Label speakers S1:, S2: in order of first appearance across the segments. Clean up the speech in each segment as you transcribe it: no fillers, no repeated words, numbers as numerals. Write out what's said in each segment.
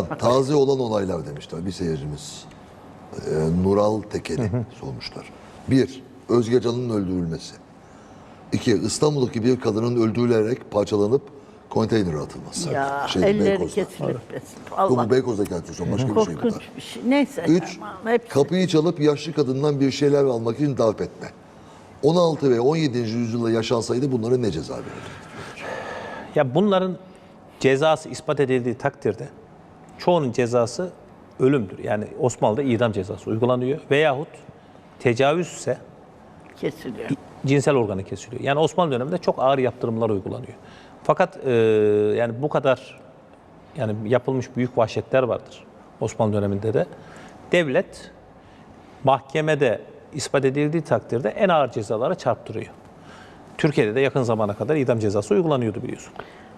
S1: taze olan olaylar demişler bir seyircimiz. Nural Tekeli sormuşlar. 1. Özge Can'ın öldürülmesi. 2. İstanbul'daki bir kadının öldürülerek parçalanıp konteynere atılması.
S2: Ya
S1: Şeyde,
S2: elleri
S1: Beykoz'da.
S2: kesilip
S1: Yok, bu Beykoz'daki atıyorsun, başka bir şey bu da.
S2: korkunç bir şey. Neyse.
S1: 3.
S2: Tamam, hepsi.
S1: Kapıyı çalıp yaşlı kadından bir şeyler almak için darp etme. 16 ve 17. yüzyılda yaşansaydı bunlara ne ceza verirdi?
S3: Ya bunların cezası ispat edildiği takdirde çoğunun cezası ölümdür. Yani Osmanlı'da idam cezası uygulanıyor veyahut tecavüzse
S2: Kesiliyor.
S3: cinsel organı kesiliyor. Yani Osmanlı döneminde çok ağır yaptırımlar uygulanıyor. Fakat yani bu kadar yani yapılmış büyük vahşetler vardır Osmanlı döneminde de. Devlet mahkemede ispat edildiği takdirde en ağır cezalara çarptırıyor. Türkiye'de de yakın zamana kadar idam cezası uygulanıyordu biliyorsun.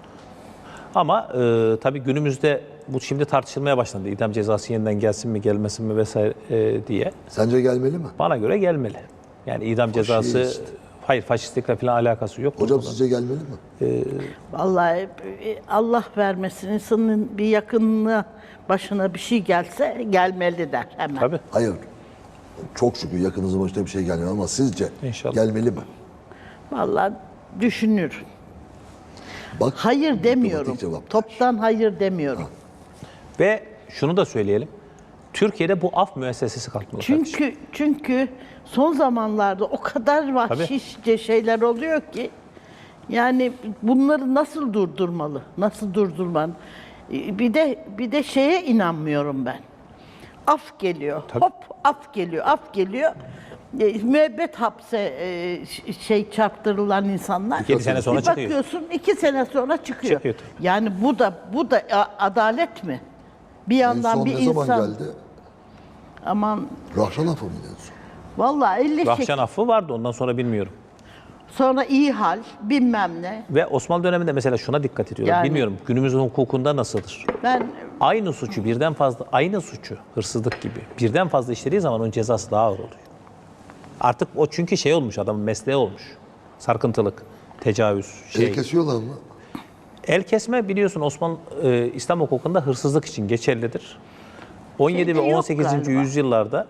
S3: Ama tabii günümüzde bu şimdi tartışılmaya başlandı. İdam cezası yeniden gelsin mi gelmesin mi vesaire diye.
S1: Sence gelmeli mi?
S3: Bana göre gelmeli. Yani idam cezası,
S1: Faşist.
S3: hayır faşistlikle falan alakası yok.
S1: Hocam sizce gelmeli mi?
S2: Vallahi Allah vermesin insanın bir yakınına başına bir şey gelse gelmeli der hemen.
S3: Tabii.
S1: Hayır. Çok şükür yakınızın başına bir şey gelmiyor ama sizce
S3: İnşallah.
S1: gelmeli mi?
S2: Vallahi düşünür.
S1: Bak,
S2: Hayır demiyorum.
S1: diplomatik cevap.
S2: Toptan hayır demiyorum.
S3: Ve şunu da söyleyelim. Türkiye'de bu af müessesesi kalkmalı. kardeşim.
S2: Çünkü son zamanlarda o kadar vahşice şeyler oluyor ki yani bunları nasıl durdurmalı? Nasıl durdurman? Bir de şeye inanmıyorum ben. Af geliyor.
S3: Tabii.
S2: Hop af geliyor. Af geliyor. Müebbet hapse çarptırılan insanlar.
S3: 2 sene sonra
S2: Bir
S3: çıkıyor.
S2: bakıyorsun 2 sene sonra çıkıyor.
S3: Çıkıyor.
S2: Yani bu da adalet mi? Bir
S1: En
S2: yandan
S1: son
S2: bir
S1: ne zaman
S2: insan
S1: geldi?
S2: aman
S1: Rahşan Afı mıydı en son?
S2: vallahi 50
S3: Rahşan affı vardı ondan sonra bilmiyorum.
S2: sonra iyi hal bilmem ne.
S3: Ve Osmanlı döneminde mesela şuna dikkat ediyorlar.
S2: Yani-
S3: Bilmiyorum günümüzün hukukunda nasıldır?
S2: Ben
S3: Aynı suçu birden fazla, aynı suçu hırsızlık gibi birden fazla işlediği zaman onun cezası daha ağır oluyor. Artık o çünkü şey olmuş adamın mesleği olmuş. Sarkıntılık, tecavüz,
S1: El kesiyorlar mı?
S3: El kesme biliyorsun İslam hukukunda hırsızlık için geçerlidir. 17
S2: Şeyde
S3: ve
S2: yok
S3: 18.
S2: galiba.
S3: yüzyıllarda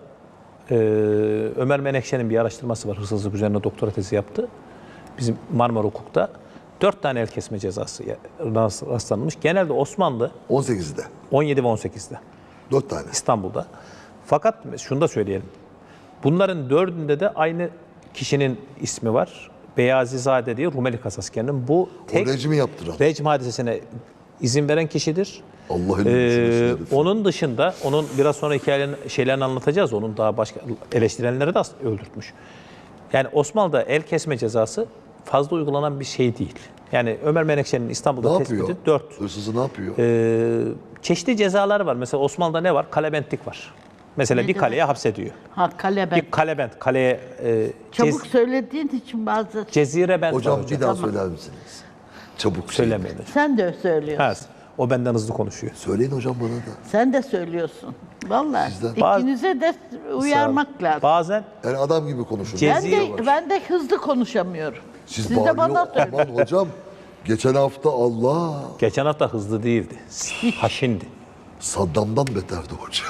S3: Ömer Menekşe'nin bir araştırması var. Hırsızlık üzerine doktora tezi yaptı. Bizim Marmara Hukuk'ta 4 tane el kesme cezası rastlanmış. Genelde Osmanlı
S1: 18'de.
S3: 17 ve 18'de
S1: 4 tane.
S3: İstanbul'da. Fakat şunu da söyleyelim. Bunların 4'ünde de aynı kişinin ismi var. Beyazizade diye Rumeli Kasasker'in. Bu tek
S1: rejimi yaptıran.
S3: rejim hadisesine izin veren kişidir.
S1: Allah'ın düşüncesi.
S3: Onun dışında, onun biraz sonra şeylerini anlatacağız. Onun daha başka eleştirenleri de öldürtmüş. Yani Osmanlı'da el kesme cezası fazla uygulanan bir şey değil. Yani Ömer Menekşe'nin
S1: Ne
S3: İstanbul'da
S1: yapıyor?
S3: tespiti 4.
S1: Hırsızı ne yapıyor?
S3: Çeşitli cezalar var. Mesela Osmanlı'da ne var? Kalebentlik var. Mesela bir kaleye hapsediyor.
S2: kale ben.
S3: Bir kalebent, kaleye
S2: Çabuk söylediğin için bazı
S3: cezire bent var
S1: Hocam
S3: hocam.
S1: bir daha söyler misiniz? Çabuk
S3: Söylemeyin hocam.
S2: sen de söylüyorsun.
S3: Ha, o benden hızlı konuşuyor.
S1: Söyleyin hocam bana da.
S2: Sen de söylüyorsun. Vallahi
S1: Sizden-
S2: ikinize de uyarmak lazım.
S3: Bazen
S1: Yani adam gibi konuşun.
S2: Ben de hızlı konuşamıyorum.
S1: Siz
S2: Siz de bana
S1: bağırıyor.
S2: söyleyin.
S1: Aman hocam. Geçen hafta Allah
S3: geçen hafta hızlı değildi. Haşindi.
S1: Saddam'dan beterdi hocam.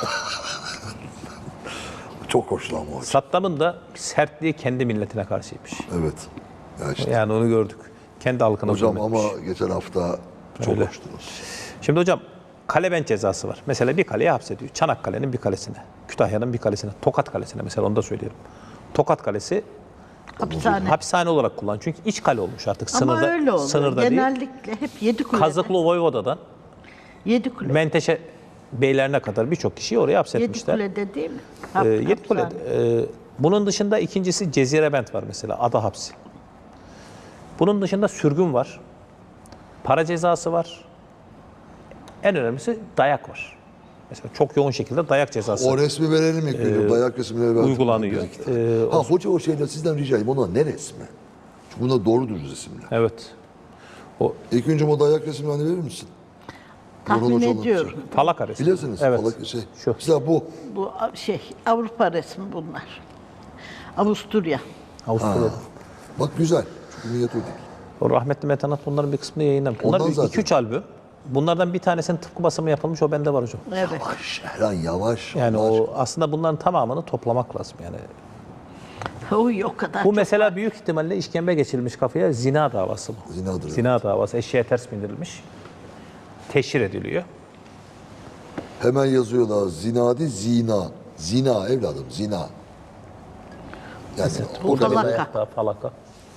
S1: Çok hoşlanma hocam.
S3: Saddam'ın da sertliği kendi milletine karşıymış.
S1: Evet. Ya işte.
S3: Yani onu gördük. Kendi halkına
S1: Hocam
S3: zulmetmiş.
S1: ama geçen hafta çok
S3: Öyle.
S1: hoştunuz.
S3: Şimdi hocam kalebent cezası var. Mesela bir kaleye hapsediyor. Çanakkale'nin bir kalesine, Kütahya'nın bir kalesine, Tokat Kalesi'ne mesela onu da söyleyelim. Tokat Kalesi
S2: Hapishane.
S3: hapishane olarak kullanılıyor. Çünkü iç kale olmuş artık.
S2: Ama
S3: Sınırda,
S2: öyle oluyor.
S3: sınırda değil.
S2: Genellikle hep Yedikule'de.
S3: Kazıklı Voyvoda'dan
S2: Yedikule.
S3: Menteşe beylerine kadar birçok kişiyi oraya hapsetmişler.
S2: Yedikule'de değil mi?
S3: Yedikule'de.
S2: Hapishane.
S3: Bunun dışında ikincisi Cezirebent var mesela. Ada hapsi. Bunun dışında sürgün var. Para cezası var. En önemlisi dayak var. Mesela çok yoğun şekilde dayak cezası
S1: O resmi verelim ilk gün. Dayak resimleri verelim.
S3: uygulanıyor.
S1: Ha hoca o şeyler sizden rica edeyim. Ona ne resmi? Çünkü bunlar doğru düz resimler.
S3: Evet.
S1: İlk önce o dayak resimlerini verir misin?
S2: Tahmin
S1: Orhan Hocam
S2: ediyorum.
S3: Falaka resmi.
S1: Bilirsiniz.
S3: Evet. Şu.
S1: Mesela bu.
S2: Bu Avrupa resmi bunlar. Avusturya.
S3: Avusturya'da.
S1: Bak güzel. Çünkü niyet o değil.
S3: O rahmetli Metanat bunların bir kısmını yayınlamış. Bunlar
S1: Ondan zaten.
S3: 2-3 albüm. Bunlardan bir tanesinin tıpkı basımı yapılmış, o bende var hocam.
S2: Evet.
S1: Yavaş Erhan yavaş.
S3: Yani
S1: Allah
S3: o
S1: aşkına.
S3: aslında bunların tamamını toplamak lazım yani.
S2: Oy, o kadar
S3: Bu
S2: çok
S3: mesela
S2: var.
S3: büyük ihtimalle işkembe geçirilmiş kafaya zina davası bu.
S1: Zinadır,
S3: Zina davası eşeğe ters bindirilmiş. Teşhir ediliyor.
S1: Hemen yazıyorlar zinadi zina. Zina evladım zina. Yani
S2: Bu
S1: orada
S2: falaka.
S3: Dayakta, falaka.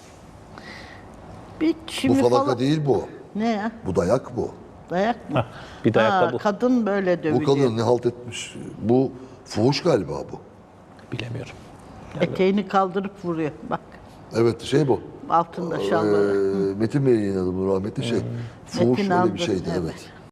S2: Bir
S1: bu
S2: şimdi
S1: falaka değil bu.
S2: Ne ya?
S1: Bu dayak bu.
S2: Dayak mı?
S3: Bir dayak da bu.
S2: Kadın böyle
S1: Bu
S2: dövülüyor.
S1: kadın ne halt etmiş? Bu fuhuş galiba bu.
S3: Bilemiyorum.
S2: Eteğini kaldırıp vuruyor. Bak.
S1: Evet şey bu.
S2: Altında şalvarı.
S1: Metin Bey'in adı bu rahmetli şey. Fuhuş
S2: Metin
S1: öyle
S2: aldı,
S1: bir şeydi
S2: evet.
S1: evet.